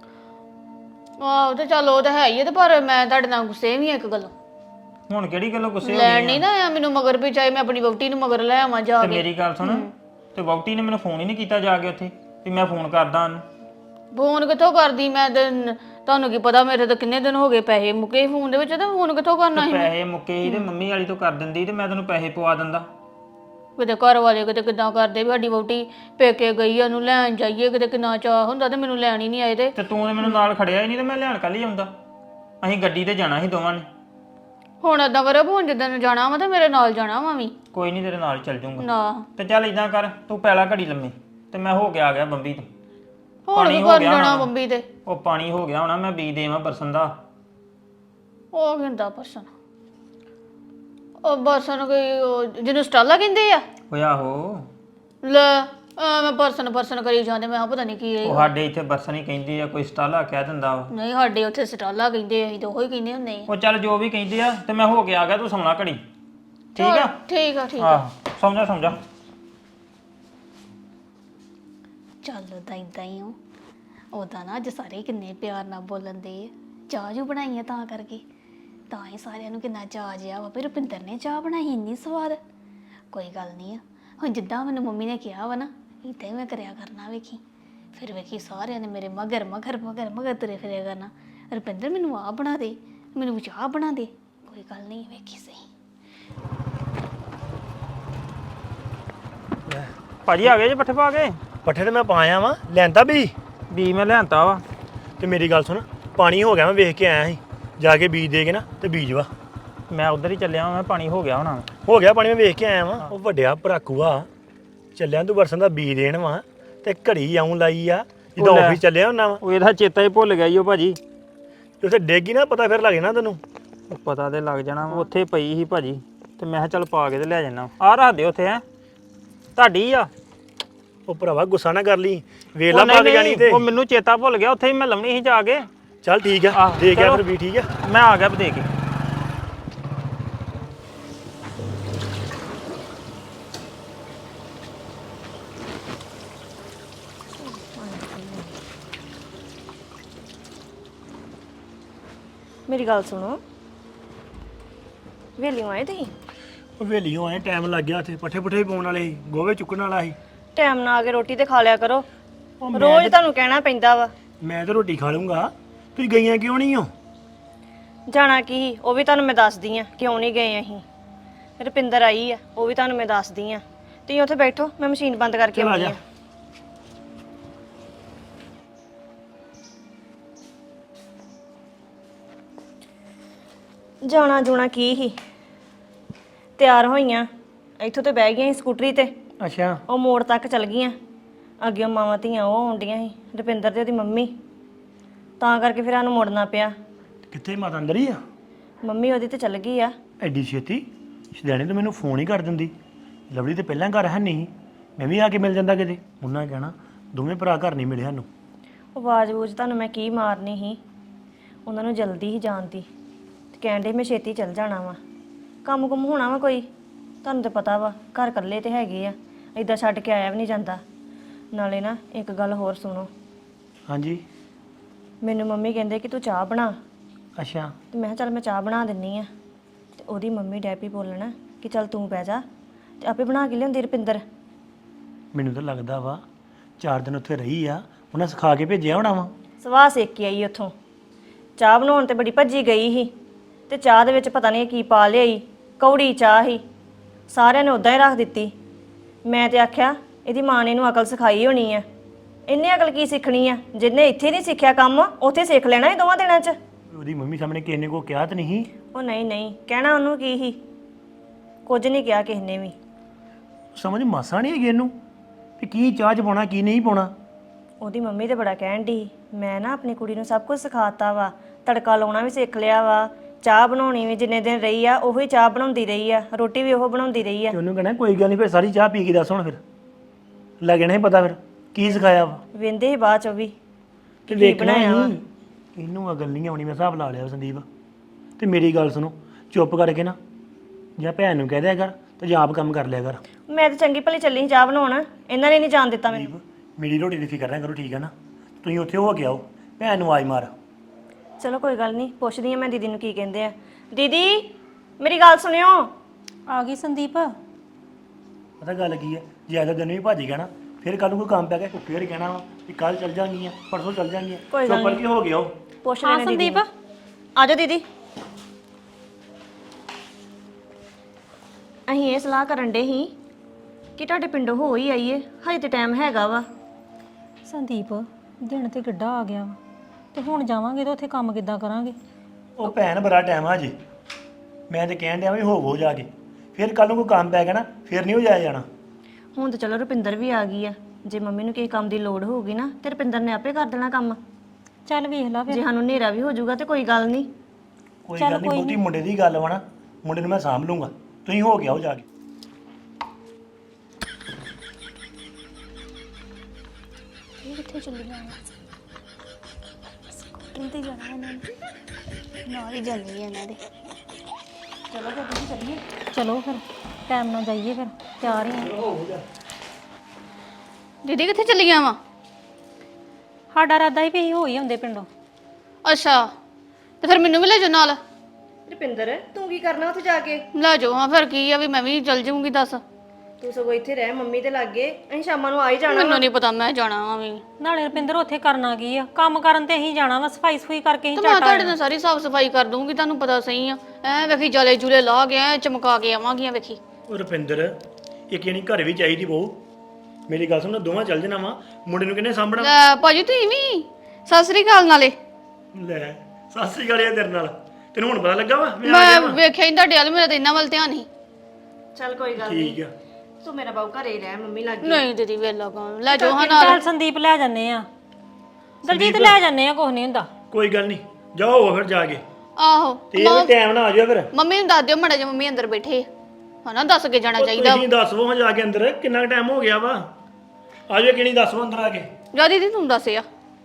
[SPEAKER 2] ਆਹੋ ਤੇ ਚੱਲ ਉਹ ਤਾਂ ਹੈ ਹੀ ਆ ਤੇ ਪਰ ਮੈਂ ਤੁਹਾਡੇ ਨਾਲ ਗੁੱਸੇ ਵੀ ਆ ਇੱਕ ਗੱਲ।
[SPEAKER 3] ਹੁਣ ਕਿਹੜੀ ਗੱਲੋਂ ਗੁੱਸੇ ਹੋ
[SPEAKER 2] ਲੈਣ
[SPEAKER 3] ਗਈ
[SPEAKER 2] ਨਹੀਂ ਨਾ ਆਇਆ ਮੈਨੂੰ ਮਗਰ ਵੀ ਚਾਹੇ ਮੈਂ ਆਪਣੀ ਵਹੁਟੀ ਨੂੰ ਮਗਰ ਲੈ ਆਵਾਂ ਜਾ
[SPEAKER 3] ਤੇ
[SPEAKER 2] ਕੇ।
[SPEAKER 3] ਮੇਰੀ ਗੱਲ ਸੁਣ, ਤੇ ਵਹੁਟੀ ਨੇ ਮੈਨੂੰ ਫੋਨ ਹੀ ਨਹੀਂ ਕੀਤਾ ਜਾ ਕੇ ਉੱਥੇ ਵੀ ਮੈਂ ਫੋਨ ਕਰਦਾ ਉਹਨੂੰ।
[SPEAKER 2] ਫੋਨ ਕਿੱਥੋਂ ਕਰਦੀ ਮੈਂ ਤੇ ਤੁਹਾਨੂੰ ਕੀ ਪਤਾ ਮੇਰੇ ਤਾਂ ਕਿੰਨੇ ਦਿਨ ਹੋ ਗਏ ਪੈਸੇ ਮੁੱਕੇ ਫੋਨ ਦੇ ਵਿੱਚ ਤੇ ਫੋਨ ਕਿੱਥੋਂ ਕਰਨਾ ਸੀ।
[SPEAKER 3] ਪੈਸੇ ਮੁੱਕੇ ਸੀ ਤੇ ਮੰਮੀ ਵਾਲੀ ਤੋਂ ਕਰ ਦਿੰਦੀ ਤੇ ਮੈਂ ਤੈਨੂੰ ਪੈਸੇ ਪਵਾ ਦਿੰਦਾ।
[SPEAKER 2] ਕਿਤੇ ਘਰ ਵਾਲੇ ਕਿਤੇ ਕਿੱਦਾਂ ਕਰਦੇ ਵੀ ਸਾਡੀ ਵਹੁਟੀ ਪੇਕੇ ਗਈ ਆ ਉਹਨੂੰ ਲੈਣ ਜਾਈਏ ਕਿਤੇ ਕਿੰਨਾ ਚਾਹ ਹੁੰਦਾ ਤੇ ਮੈਨੂੰ ਲੈਣ ਹੀ ਨਹੀਂ ਆਏ ਤੇ
[SPEAKER 3] ਤੂੰ ਤੇ ਮੈਨੂੰ ਨਾਲ ਖੜਿਆ ਹੀ ਨਹੀਂ ਤੇ ਮੈਂ ਲੈਣ ਕੱਲ ਹੀ ਆਉਂਦਾ। ਅਸੀਂ ਗੱਡੀ ਤੇ ਜਾਣਾ ਸੀ ਦੋਵਾਂ ਨੇ।
[SPEAKER 2] ਹੁਣ ਏਦਾਂ ਕਰੋ ਹੁਣ ਜਿੱਦਾਂ ਜਾਣਾ ਵਾ ਤੇ ਮੇਰੇ ਨਾਲ ਜਾਣਾ ਵਾ ਵੀ
[SPEAKER 3] ਕੋਈ ਨਹੀਂ ਤੇਰੇ ਨਾਲ ਚੱਲ ਜਾਊਂਗਾ।
[SPEAKER 2] ਨਾ
[SPEAKER 3] ਤੇ ਚੱਲ ਇਦਾਂ ਕਰ, ਤੂੰ ਪਹਿਲਾਂ ਘੜੀ ਲੰਮੇ ਤੇ ਮੈਂ ਹੋ ਕੇ ਆ ਗਿਆ ਬੰਬੀ ਤੋਂ।
[SPEAKER 2] ਹੁਣ ਕੀ ਕਰਨ ਜਾਣਾ ਬੰਬੀ ਤੇ।
[SPEAKER 3] ਉਹ ਪਾਣੀ ਹੋ ਗਿਆ ਹੋਣਾ, ਮੈਂ ਬੀਜ ਦੇਵਾਂ ਬਰਸਨ ਦਾ।
[SPEAKER 2] ਉਹ ਕਹਿੰਦਾ ਪਰਸਨ ਉਹ ਬਰਸਨ ਕੋਈ ਜਿਹਨੂੰ ਸਟਾਲਾ ਕਹਿੰਦੇ ਆ।
[SPEAKER 3] ਓਏ ਆਹੋ
[SPEAKER 2] ਲੈ ਮੈਂ ਪਰਸਨ ਕਰੀ ਜਾਂਦੇ ਮੈਂ ਕਿਹਾ ਪਤਾ ਨਹੀਂ ਕੀ
[SPEAKER 3] ਉਹ ਸਾਡੇ ਇੱਥੇ ਬਰਸਨ ਹੀ ਕਹਿੰਦੇ ਆ, ਕੋਈ ਸਟਾਲਾ ਕਹਿ ਦਿੰਦਾ ਵਾ।
[SPEAKER 2] ਨਹੀਂ ਸਾਡੇ ਉੱਥੇ ਸਟਾਲਾ ਕਹਿੰਦੇ ਅਸੀਂ ਤਾਂ ਉਹੀ ਕਹਿੰਦੇ ਹੁੰਦੇ ਆ।
[SPEAKER 3] ਉਹ ਚੱਲ ਜੋ ਵੀ ਕਹਿੰਦੇ ਆ ਤੇ ਮੈਂ ਹੋ ਕੇ ਆ ਗਿਆ, ਤੂੰ ਸੌਣਾ ਘੜੀ। ਠੀਕ ਆ
[SPEAKER 2] ਠੀਕ ਆ ਠੀਕ ਆ।
[SPEAKER 3] ਆਹ ਸਮਝਾ
[SPEAKER 2] ਚੱਲ ਉਦਾਂ ਇਦਾਂ ਹੀ ਹੋ ਉਦਾਂ ਨਾ ਅੱਜ ਸਾਰੇ ਕਿੰਨੇ ਪਿਆਰ ਨਾਲ ਬੋਲਣ ਦੇ ਚਾਹ ਜੂ ਬਣਾਈ ਆ ਤਾਂ ਕਰਕੇ ਤਾਂ ਹੀ ਸਾਰਿਆਂ ਨੂੰ ਕਿੰਨਾ ਚਾਅ ਜਿਹਾ ਵਾ ਵੀ ਰੁਪਿੰਦਰ ਨੇ ਚਾਹ ਬਣਾਈ ਇੰਨੀ ਸਵਾਦ। ਕੋਈ ਗੱਲ ਨਹੀਂ ਆ ਹੁਣ ਜਿੱਦਾਂ ਮੈਨੂੰ ਮੰਮੀ ਨੇ ਕਿਹਾ ਵਾ ਨਾ ਇੱਦਾਂ ਹੀ ਮੈਂ ਕਰਿਆ ਕਰਨਾ। ਵੇਖੀ ਫਿਰ ਵੇਖੀ ਸਾਰਿਆਂ ਨੇ ਮੇਰੇ ਮਗਰ ਤੁਰੇ ਫਿਰਿਆ ਕਰਨਾ ਰੁਪਿੰਦਰ ਮੈਨੂੰ ਆਹ ਬਣਾ ਦੇ, ਮੈਨੂੰ ਚਾਹ ਬਣਾ ਦੇ। ਕੋਈ ਗੱਲ ਨਹੀਂ ਵੇਖੀ ਸਹੀ।
[SPEAKER 3] ਭਾਜੀ ਆ ਗਏ ਜੇ ਪੱਠੇ ਪਾ ਕੇ?
[SPEAKER 6] ਪੱਠੇ ਤੇ ਮੈਂ ਪਾਇਆ ਵਾਂ, ਲੈਂਦਾ
[SPEAKER 3] ਵੀ ਮੈਂ ਲਿਆਂਤਾ ਵਾ।
[SPEAKER 6] ਤੇ ਮੇਰੀ ਗੱਲ ਸੁਣ, ਪਾਣੀ ਹੋ ਗਿਆ ਮੈਂ ਵੇਖ ਕੇ ਆਇਆ ਸੀ, ਜਾ ਕੇ ਬੀਜ ਦੇ ਕੇ ਨਾ ਤੇ ਬੀਜ ਵਾ।
[SPEAKER 3] ਮੈਂ ਉਧਰ ਹੀ ਚੱਲਿਆ ਵਾਂ, ਮੈਂ ਪਾਣੀ ਹੋ ਗਿਆ ਹੋਣਾ।
[SPEAKER 6] ਹੋ ਗਿਆ ਪਾਣੀ, ਮੈਂ ਵੇਖ ਕੇ ਆਇਆ ਵਾਂ। ਉਹ ਵੱਡਿਆ ਭਰਾਕੂ ਆ, ਚੱਲਿਆ ਤੂੰ ਬਰਸਨ ਦਾ ਬੀਜ ਦੇਣ ਵਾ ਤੇ ਘੜੀ ਆਉਂ ਲਾਈ ਆ ਜਦੋਂ ਆਫਿਸ ਚੱਲਿਆ ਹੁੰਦਾ ਵਾ।
[SPEAKER 3] ਉਹ ਇਹਦਾ ਚੇਤਾ ਹੀ ਭੁੱਲ ਗਿਆ ਈ ਉਹ ਭਾਜੀ।
[SPEAKER 6] ਤੇ ਉੱਥੇ ਡੇਗੀ ਨਾ ਪਤਾ ਫਿਰ ਲੱਗ ਜਾਣਾ ਤੈਨੂੰ।
[SPEAKER 3] ਉਹ ਪਤਾ ਤੇ ਲੱਗ ਜਾਣਾ, ਉੱਥੇ ਪਈ ਸੀ ਭਾਜੀ ਤੇ ਮੈਂ ਕਿਹਾ ਚੱਲ ਪਾ ਕੇ ਤੇ ਲੈ ਜਾਣਾ। ਆਹ ਰੱਖ ਦੇ ਉੱਥੇ ਹੈ ਤੁਹਾਡੀ ਆ।
[SPEAKER 6] ਉਹ ਭਰਾਵਾ ਗੁੱਸਾ ਨਾ ਕਰ ਲਈ, ਵੇਲਾ ਪਾ ਕੇ ਜਾਣੀ ਤੇ।
[SPEAKER 3] ਉਹ ਮੈਨੂੰ ਚੇਤਾ ਭੁੱਲ ਗਿਆ, ਉੱਥੇ ਹੀ ਮੈਂ ਲਾਉਣੀ ਸੀ ਜਾ ਕੇ।
[SPEAKER 6] ਚੱਲ ਠੀਕ ਆ, ਦੇ ਗਿਆ ਫਿਰ ਵੀ ਠੀਕ ਆ।
[SPEAKER 3] ਮੈਂ ਆ ਗਿਆ ਦੇ ਕੇ।
[SPEAKER 1] ਮੇਰੀ ਗੱਲ ਸੁਣੋ, ਵੇਲੀਓਂ ਆਏ ਤੁਸੀਂ?
[SPEAKER 6] ਉਹ ਵੇਲੀਓ ਆਏ, ਟਾਈਮ ਲੱਗ ਗਿਆ ਉੱਥੇ, ਪੱਠੇ ਪੁੱਠੇ ਵੀ ਪਾਉਣ ਵਾਲੇ ਸੀ, ਗੋਵੇ ਚੁੱਕਣ ਵਾਲਾ ਸੀ।
[SPEAKER 1] ਟਾਈਮ ਨਾਲ ਆ ਕੇ ਰੋਟੀ ਤੇ ਖਾ ਲਿਆ ਕਰੋ,
[SPEAKER 6] ਉਹ ਮੈਂ
[SPEAKER 1] ਰੋਜ਼ ਤੁਹਾਨੂੰ ਕਹਿਣਾ ਪੈਂਦਾ ਵਾ।
[SPEAKER 6] ਮੈਂ ਤਾਂ ਰੋਟੀ ਖਾ ਲੂੰਗਾ, ਤੁਸੀਂ ਗਈਆਂ ਕਿਉਂ ਨਹੀਂ ਹੋ?
[SPEAKER 1] ਜਾਣਾ ਕੀ ਸੀ, ਉਹ ਵੀ ਤੁਹਾਨੂੰ ਮੈਂ ਦੱਸਦੀ ਆ ਕਿਉਂ ਨਹੀਂ ਗਏ ਅਸੀਂ। ਰੁਪਿੰਦਰ ਆਈ ਆ, ਉਹ ਵੀ ਤੁਹਾਨੂੰ ਮੈਂ ਦੱਸਦੀ ਆ। ਤੁਸੀਂ ਉੱਥੇ ਬੈਠੋ, ਮੈਂ ਮਸ਼ੀਨ ਬੰਦ ਕਰਕੇ
[SPEAKER 6] ਚੱਲ ਆ
[SPEAKER 1] ਆਉਂਦੀ
[SPEAKER 6] ਜਾ।
[SPEAKER 1] ਆ। ਜਾਣਾ ਜੂਣਾ ਕੀ ਸੀ, ਤਿਆਰ ਹੋਈਆਂ ਇੱਥੋਂ ਤੇ ਬਹਿ ਗਈਆਂ ਸੀ ਸਕੂਟਰੀ ਤੇ।
[SPEAKER 6] ਅੱਛਾ,
[SPEAKER 1] ਉਹ ਮੋੜ ਤੱਕ ਚਲ ਗਈਆਂ, ਅੱਗੇ ਮਾਵਾਂ ਧੀਆਂ ਉਹ ਆਉਂਦੀਆਂ ਸੀ, ਰੁਪਿੰਦਰ ਤੇ ਉਹਦੀ ਮੰਮੀ। ਤਾਂ ਕਰਕੇ ਫਿਰ ਸਾਨੂੰ ਮੁੜਨਾ ਪਿਆ।
[SPEAKER 6] ਕਿੱਥੇ ਮਾਤਾ ਅੰਦਰ ਹੀ ਆ?
[SPEAKER 1] ਮੰਮੀ ਉਹਦੀ ਤੇ ਚਲ ਗਈ ਆ।
[SPEAKER 6] ਐਡੀ ਛੇਤੀ? ਸ਼ਦੈਣੇ ਤਾਂ ਮੈਨੂੰ ਫੋਨ ਹੀ ਕਰ ਦਿੰਦੀ। ਲਵਲੀ ਤੇ ਪਹਿਲਾਂ ਘਰ ਹੈ ਨਹੀਂ, ਮੈਂ ਵੀ ਆ ਕੇ ਮਿਲ ਜਾਂਦਾ ਕਿਤੇ। ਉਹਨਾਂ ਕਹਿਣਾ ਦੋਵੇਂ ਭਰਾ ਘਰ ਨਹੀਂ ਮਿਲੇ ਸਾਨੂੰ।
[SPEAKER 1] ਆਵਾਜ਼ ਬੂਝ ਤੁਹਾਨੂੰ ਮੈਂ ਕੀ ਮਾਰਨੀ ਸੀ, ਉਹਨਾਂ ਨੂੰ ਜਲਦੀ ਹੀ ਜਾਣ ਦੀ ਤੇ ਕਹਿਣ ਦੇ ਮੈਂ ਛੇਤੀ ਚਲ ਜਾਣਾ ਵਾ, ਕੰਮ ਕੁਮ ਹੋਣਾ ਵਾ ਕੋਈ। ਤੁਹਾਨੂੰ ਤਾਂ ਪਤਾ ਵਾ ਘਰ ਇਕੱਲੇ ਤੇ ਹੈਗੇ ਆ, ਏਦਾਂ ਛੱਡ ਕੇ ਆਇਆ ਵੀ ਨਹੀਂ ਜਾਂਦਾ। ਨਾਲੇ ਨਾ ਇੱਕ ਗੱਲ ਹੋਰ ਸੁਣੋ।
[SPEAKER 6] ਹਾਂਜੀ।
[SPEAKER 1] ਮੈਨੂੰ ਮੰਮੀ ਕਹਿੰਦੇ ਕਿ ਤੂੰ ਚਾਹ ਬਣਾ,
[SPEAKER 6] ਅੱਛਾ।
[SPEAKER 1] ਤੇ ਮੈਂ ਕਿਹਾ ਚੱਲ ਮੈਂ ਚਾਹ ਬਣਾ ਦਿੰਨੀ ਆ। ਤੇ ਉਹਦੀ ਮੰਮੀ ਡੈਪੀ ਬੋਲਣਾ ਕਿ ਚੱਲ ਤੂੰ ਬਹਿ ਜਾ, ਤੇ ਆਪੇ ਬਣਾ ਕੇ ਲਿਆਉਂਦੀ ਰੁਪਿੰਦਰ।
[SPEAKER 6] ਮੈਨੂੰ ਤਾਂ ਲੱਗਦਾ ਵਾ 4 ਦਿਨ ਉੱਥੇ ਰਹੀ ਆ, ਉਹਨਾਂ ਸਿਖਾ ਕੇ ਭੇਜਿਆ ਹੋਣਾ ਵਾ।
[SPEAKER 1] ਸਵਾਹ ਸੇਕ ਕੇ ਆਈ ਉੱਥੋਂ, ਚਾਹ ਬਣਾਉਣ ਤੇ ਬੜੀ ਭੱਜੀ ਗਈ ਸੀ, ਤੇ ਚਾਹ ਦੇ ਵਿੱਚ ਪਤਾ ਨਹੀਂ ਕੀ ਪਾ ਲਿਆਈ, ਕੌੜੀ ਚਾਹ ਸੀ। ਸਾਰਿਆਂ ਨੇ ਉਦਾਂ ਹੀ ਰੱਖ ਦਿੱਤੀ। ਮੈਂ ਤੇ ਆਖਿਆ ਇਹਦੀ ਮਾਂ ਨੇ ਇਹਨੂੰ ਅਕਲ ਸਿਖਾਈ ਹੋਣੀ ਆ। ਇਹਨੇ ਅਕਲ ਕੀ ਸਿੱਖਣੀ ਆ? ਜਿੰਨੇ ਇੱਥੇ ਨਹੀਂ ਸਿੱਖਿਆ ਕੰਮ ਉੱਥੇ ਸਿੱਖ ਲੈਣਾ ਇਹ ਦੋਵਾਂ ਦਿਨਾਂ 'ਚ।
[SPEAKER 6] ਉਹਦੀ ਮੰਮੀ ਸਾਹਮਣੇ ਕਿਸੇ ਨੇ ਕੋ ਕਿਹਾ ਤਾਂ ਨਹੀਂ?
[SPEAKER 1] ਉਹ ਨਹੀਂ ਨਹੀਂ, ਕਹਿਣਾ ਉਹਨੂੰ ਕੀ ਹੀ, ਕੁਝ ਨਹੀਂ ਕਿਹਾ ਕਿਸੇ ਨੇ ਵੀ।
[SPEAKER 6] ਸਮਝ ਮਾਸਾ ਨਹੀਂ ਹੈਗੀ ਇਹਨੂੰ ਵੀ ਕੀ ਚਾਹ ਚ ਪਾਉਣਾ ਕੀ ਨਹੀਂ ਪਾਉਣਾ।
[SPEAKER 1] ਉਹਦੀ ਮੰਮੀ ਤੇ ਬੜਾ ਕਹਿਣ ਦੀ, ਮੈਂ ਨਾ ਆਪਣੀ ਕੁੜੀ ਨੂੰ ਸਭ ਕੁਝ ਸਿਖਾਤਾ ਵਾ, ਤੜਕਾ ਲਾਉਣਾ ਵੀ ਸਿੱਖ ਲਿਆ ਵਾ, ਚਾਹ ਬਣਾਉਣੀ ਵੀ ਜਿੰਨੇ ਦਿਨ ਰਹੀ ਆ ਉਹੀ ਚਾਹ ਬਣਾਉਂਦੀ ਰਹੀ ਆ, ਰੋਟੀ ਵੀ ਉਹ ਬਣਾਉਂਦੀ ਰਹੀ ਆ।
[SPEAKER 6] ਤੇ ਉਹਨੂੰ ਕਹਿਣਾ ਕੋਈ ਗੱਲ ਨਹੀਂ, ਫਿਰ ਸਾਰੀ ਚਾਹ ਪੀ ਕੇ ਦੱਸ ਹੁਣ ਫਿਰ ਲੱਗਣਾ ਹੀ ਪਤਾ ਫਿਰ ਕੀ ਸਿਖਾਇਆ ਵਾ।
[SPEAKER 1] ਵਿੰਦੇ ਹੀ ਬਾਅਦ ਚ ਉਹ ਵੀ
[SPEAKER 6] ਤੇ ਵੇਖਣਾ ਨਹੀਂ, ਇਹਨੂੰ ਅਗਲ ਨਹੀਂ ਆਉਣੀ। ਮੈਂ ਹਿਸਾਬ ਲਾ ਲਿਆ ਸੰਦੀਪ। ਤੇ ਮੇਰੀ ਗੱਲ ਸੁਣੋ, ਚੁੱਪ ਕਰਕੇ ਨਾ ਜਾਂ ਭੈਣ ਨੂੰ ਕਹਿ ਦਿਆ ਕਰ ਤੇ ਜਾਂ ਆਪ ਕੰਮ ਕਰ ਲਿਆ ਕਰ।
[SPEAKER 1] ਮੈਂ ਤਾਂ ਚੰਗੀ ਭਲੀ ਚੱਲੀ ਸੀ ਚਾਹ ਬਣਾਉਣ, ਇਹਨਾਂ ਨੇ ਨਹੀਂ ਜਾਣ ਦਿੱਤਾ ਮੈਨੂੰ।
[SPEAKER 6] ਸੰਦੀਪ ਮੇਰੀ ਰੋਟੀ ਦੀ ਫਿਕਰ ਨਾ ਕਰੋ, ਠੀਕ ਹੈ ਨਾ? ਤੁਸੀਂ ਉੱਥੇ ਹੋ ਕੇ ਆਓ, ਭੈਣ ਨੂੰ ਆਵਾਜ਼ ਮਾਰ।
[SPEAKER 1] ਚਲੋ ਕੋਈ ਗੱਲ ਨਹੀਂ, ਪੁੱਛਦੀ ਆ ਮੈਂ ਦੀਦੀ ਨੂੰ ਕੀ ਕਹਿੰਦੇ ਆ। ਦੀਦੀ ਮੇਰੀ ਗੱਲ ਸੁਣਿਓ।
[SPEAKER 4] ਆ ਗਈ ਸੰਦੀਪ।
[SPEAKER 6] ਪਤਾ ਗੱਲ ਕੀ ਹੈ, ਜੇ ਅੱਜ ਦਿਨ ਵੀ ਭੱਜ ਗਿਆ ਨਾ ਫਿਰ ਕੱਲ ਨੂੰ ਕੋਈ ਕੰਮ ਪੈ ਗਿਆ ਉਹ ਫੇਰ ਕਹਿਣਾ ਵਾ ਵੀ ਕੱਲ ਚੱਲ ਜਾਣਗੀਆਂ ਪਰਸੋਂ ਚੱਲ ਜਾਣਗੀਆਂ। ਚੁੱਪ ਕਰਕੇ ਹੋ ਗਿਆ ਉਹ।
[SPEAKER 1] ਪੁੱਛ ਲੈਣੇ ਸੰਦੀਪ। ਆ ਜਾਓ ਦੀਦੀ। ਅਸੀਂ ਇਹ ਸਲਾਹ ਕਰਨ ਡੇ ਸੀ ਕਿ ਤੁਹਾਡੇ ਪਿੰਡੋਂ ਹੋ ਹੀ ਆਈਏ, ਹਜੇ ਤੇ ਟਾਈਮ ਹੈਗਾ ਵਾ।
[SPEAKER 4] ਸੰਦੀਪ ਦਿਨ ਤੇ ਕਿੱਡਾ ਆ ਗਿਆ ਵਾ, ਤੇ ਹੁਣ ਜਾਵਾਂਗੇ ਤਾਂ ਉੱਥੇ ਕੰਮ ਕਿੱਦਾਂ ਕਰਾਂਗੇ?
[SPEAKER 6] ਉਹ ਭੈਣ ਬੜਾ ਟਾਈਮ ਆ ਜੀ, ਮੈਂ ਤੇ ਕਹਿਣ ਡਿਆ ਵੀ ਹੋਵੋ ਜਾ ਕੇ, ਫਿਰ ਕੱਲ ਨੂੰ ਕੋਈ ਕੰਮ ਪੈ ਗਿਆ ਨਾ ਫਿਰ ਨਹੀਂ ਹੋ ਜਾਇਆ ਜਾਣਾ।
[SPEAKER 1] ਹੁਣ ਤਾਂ ਚਲੋ ਰੁਪਿੰਦਰ ਵੀ ਆ ਗਈ ਆ, ਜੇ ਮੰਮੀ ਨੂੰ ਕਿਸੇ ਕੰਮ ਦੀ ਲੋੜ ਹੋਊਗੀ ਨਾ ਤੇ ਰੁਪਿੰਦਰ ਨੇ ਆਪੇ ਕਰ ਦੇਣਾ ਕੰਮ।
[SPEAKER 4] ਚੱਲ ਵੇਖ ਲਾ ਫਿਰ।
[SPEAKER 1] ਜੇ ਸਾਨੂੰ ਹਨੇਰਾ ਵੀ ਹੋ ਜਾਊਗਾ ਤੇ ਕੋਈ ਗੱਲ ਨਹੀਂ।
[SPEAKER 6] ਕੋਈ ਗੱਲ ਨਹੀਂ, ਬਹੁਤੀ ਮੁੰਡੇ ਦੀ ਗੱਲ ਵਾ ਨਾ, ਮੁੰਡੇ ਨੂੰ ਮੈਂ ਸਾਂਭ ਲੂੰਗਾ, ਤੁਸੀਂ ਹੋ ਗਿਆ ਉਹ ਜਾ ਕੇ।
[SPEAKER 2] ਕਿੱਥੇ ਚੱਲੀਆਂ ਸਕੂਟਰੀ ਤੇ ਜਾਣਾ ਇਹਨਾਂ ਨੇ, ਨਾਲ ਹੀ ਜਾਂਦੀ ਹੈ ਇਹਨਾਂ ਦੇ।
[SPEAKER 4] ਚਲੋ ਫਿਰ ਟਾਈਮ ਨਾਲ ਜਾਈਏ, ਫਿਰ ਤਿਆਰ ਹੀ ਆ।
[SPEAKER 2] ਦੀਦੀ ਕਿੱਥੇ ਚੱਲੀਆਂ ਵਾ?
[SPEAKER 4] ਸਾਡਾ ਇਰਾਦਾ ਹੀ ਵੀ ਅਸੀਂ ਹੋ ਹੀ ਆਉਂਦੇ ਪਿੰਡੋਂ।
[SPEAKER 2] ਅੱਛਾ, ਤੇ ਫਿਰ ਮੈਨੂੰ ਵੀ ਲੈ ਜਾਓ ਨਾਲ।
[SPEAKER 1] ਰੁਪਿੰਦਰ ਤੂੰ ਕੀ ਕਰਨਾ ਉੱਥੇ ਜਾ ਕੇ?
[SPEAKER 2] ਲੈ ਜਾਓ ਹਾਂ, ਫਿਰ ਕੀ ਆ ਵੀ ਮੈਂ ਵੀ ਚੱਲ ਜਾਊਂਗੀ। ਦੱਸ,
[SPEAKER 1] ਤੂੰ ਸਗੋਂ ਇੱਥੇ ਰਹਿ ਮੰਮੀ ਦੇ ਲਾਗੇ, ਅਸੀਂ ਸ਼ਾਮਾਂ ਨੂੰ ਆ ਹੀ ਜਾਣਾ।
[SPEAKER 2] ਮੈਨੂੰ ਨਹੀਂ ਪਤਾ, ਮੈਂ ਜਾਣਾ ਵਾ ਵੀ।
[SPEAKER 4] ਨਾਲੇ ਰੁਪਿੰਦਰ ਉੱਥੇ ਕਰਨਾ ਕੀ ਆ, ਕੰਮ ਕਰਨ ਤੇ ਅਸੀਂ ਜਾਣਾ ਵਾ, ਸਫਾਈ ਸਫੂਈ ਕਰਕੇ
[SPEAKER 2] ਤੇ
[SPEAKER 4] ਅਸੀਂ
[SPEAKER 2] ਮੈਂ ਤੁਹਾਡੇ ਨਾਲ ਸਾਰੀ ਸਾਫ ਸਫਾਈ ਕਰ ਦੂੰਗੀ, ਤੁਹਾਨੂੰ ਪਤਾ ਸਹੀ ਆ। ਐ ਵੇਖੀ ਜਾਲੇ ਜੂਲੇ ਲਾ ਕੇ ਐ ਚਮਕਾ ਕੇ ਆਵਾਂਗੀਆਂ। ਵੇਖੀ
[SPEAKER 6] ਉਹ ਰੁਪਿੰਦਰ ਇੱਕ ਜਣੀ ਘਰ ਵੀ ਚਾਹੀਦੀ ਬਹੁ। ਮੇਰੀ ਗੱਲ ਸੁਣ, ਦੋਵਾਂ ਚੱਲ ਜਾਣਾ ਵਾ, ਮੁੰਡੇ ਨੂੰ ਕਿਹਨੇ ਸਾਂਭਣਾ?
[SPEAKER 2] ਲੈ ਭਾਜੀ ਤੁਸੀਂ ਵੀ ਸਤਿ ਸ੍ਰੀ ਅਕਾਲ। ਨਾਲੇ
[SPEAKER 6] ਲੈ ਸਤਿ ਸ੍ਰੀ ਅਕਾਲ ਆ ਤੇਰੇ ਨਾਲ, ਤੈਨੂੰ ਹੁਣ ਪਤਾ ਲੱਗਾ ਵਾ ਮੈਂ ਆ ਗਿਆ
[SPEAKER 2] ਮੈਂ
[SPEAKER 6] ਵਾਂ।
[SPEAKER 2] ਵੇਖਿਆ ਹੀ ਤੁਹਾਡੇ ਵੱਲ, ਮੇਰਾ ਤਾਂ ਇਹਨਾਂ ਵੱਲ ਧਿਆਨ ਨਹੀਂ।
[SPEAKER 1] ਚੱਲ ਕੋਈ ਗੱਲ
[SPEAKER 6] ਠੀਕ ਆ।
[SPEAKER 1] ਤੂੰ ਮੇਰਾ ਬਾਊ ਘਰੇ ਹੀ ਰਹਿ ਮੰਮੀ ਲਾਗੇ।
[SPEAKER 2] ਨਹੀਂ ਦੀਦੀ ਵੇਲਾ ਕਾਂ ਲੈ ਜਾਓ ਹਾਂ ਨਾਲ।
[SPEAKER 4] ਚੱਲ ਸੰਦੀਪ ਲੈ ਜਾਂਦੇ ਆ, ਦਲਜੀਤ ਲੈ ਜਾਂਦੇ ਆ, ਕੁਝ ਨਹੀਂ ਹੁੰਦਾ।
[SPEAKER 6] ਕੋਈ ਗੱਲ ਨਹੀਂ, ਜਾਓ ਫਿਰ ਜਾ ਕੇ,
[SPEAKER 2] ਆਹੋ
[SPEAKER 6] ਤੇ ਇਹ ਟਾਈਮ ਨਾਲ ਆ ਜਾਓ ਫਿਰ।
[SPEAKER 2] ਮੰਮੀ ਨੂੰ ਦੱਸ ਦਿਓ ਮਾੜਾ ਜਿਹਾ, ਮੰਮੀ ਅੰਦਰ ਬੈਠੇ ਹਨਾ, ਦੱਸ ਕੇ ਜਾਣਾ ਚਾਹੀਦਾ।
[SPEAKER 6] ਤੁਸੀਂ ਦੱਸੋ ਹਾਂ ਜਾ ਕੇ ਅੰਦਰ ਕਿੰਨਾ ਟਾਈਮ ਹੋ ਗਿਆ ਵਾ। ਆ ਜਾਓ ਕਿਹਨੀ ਦੱਸੋ ਅੰਦਰ ਆ ਕੇ।
[SPEAKER 2] ਜਾ ਦੀਦੀ ਤੂੰ ਦੱਸਿਆ।